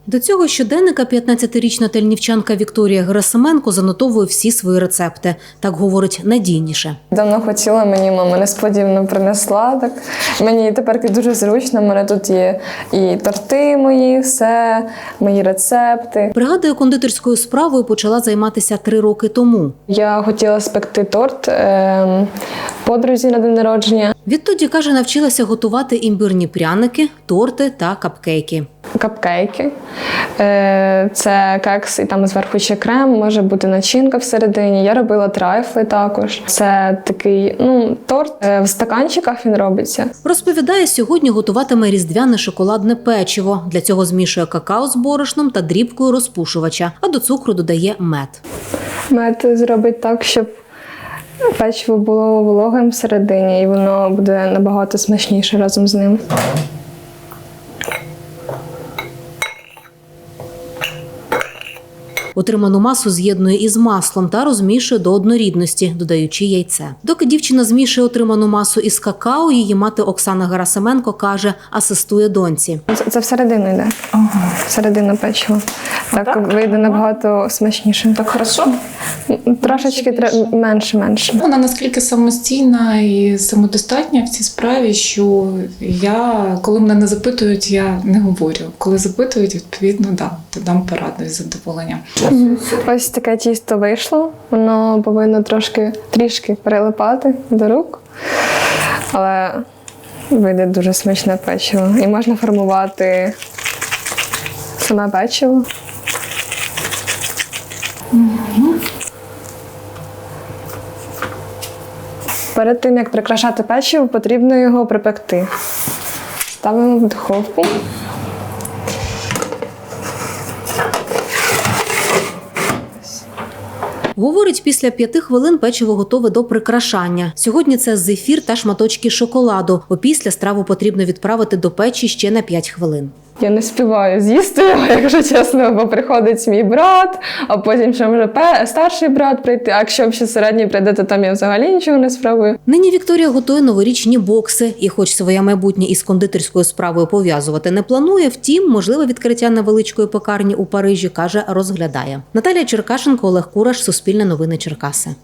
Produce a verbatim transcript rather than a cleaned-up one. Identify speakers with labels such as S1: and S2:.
S1: До цього щоденника п'ятнадцятирічна тельнівчанка Вікторія Герасименко занотовує всі свої рецепти. Так говорить, надійніше.
S2: Давно хотіла, мені мама несподівано принесла. Так. Мені тепер дуже зручно, у мене тут є і торти мої, все, мої рецепти.
S1: Пригадує, кондитерською справою почала займатися три роки тому.
S2: Я хотіла спекти торт е, подрузі на день народження.
S1: Відтоді, каже, навчилася готувати імбирні пряники, торти та капкейки.
S2: Капкейки. Е, це кекс і там зверху ще крем, може бути начинка всередині. Я робила трайфли також. Це такий, ну, торт е, в стаканчиках він робиться.
S1: Розповідає, сьогодні готуватиме різдвяне шоколадне печиво. Для цього змішує какао з борошном та дрібкою розпушувача, а до цукру додає мед.
S2: Мед зробить так, щоб печиво було вологим всередині, і воно буде набагато смачніше разом з ним.
S1: Отриману масу з'єднує із маслом та розмішує до однорідності, додаючи яйце. Доки дівчина змішує отриману масу із какао, її мати Оксана Герасименко каже, асистує доньці.
S2: Це, це всередину йде.
S3: Ага.
S2: Всередину печиво. Так,
S3: так?
S2: вийде набагато смачніше.
S3: Так хорошо?
S2: Трошечки тре- менше-менше.
S3: Вона наскільки самостійна і самодостатня в цій справі, що я, коли мене не запитують, я не говорю. Коли запитують, відповідно, да, то дам пораду із задоволенням.
S2: Ось таке тісто вийшло. Воно повинно трошки, трішки прилипати до рук. Але вийде дуже смачне печиво. І можна формувати саме печиво. Перед тим, як прикрашати печиво, потрібно його припекти. Ставимо в духовку.
S1: Говорить, після п'яти хвилин печиво готове до прикрашання. Сьогодні це зефір та шматочки шоколаду. Опісля страву потрібно відправити до печі ще на п'ять хвилин.
S2: Я не співаю з'їсти його, якщо чесно, бо приходить мій брат, а потім ще може пе- старший брат прийти, а якщо ще середній прийде, то там я взагалі нічого не спробую.
S1: Нині Вікторія готує новорічні бокси і хоч своє майбутнє із кондитерською справою пов'язувати не планує, втім, можливе відкриття невеличкої пекарні у Парижі, каже, розглядає. Наталія Черкашенко, Олег Кураш, Суспільне новини Черкаси.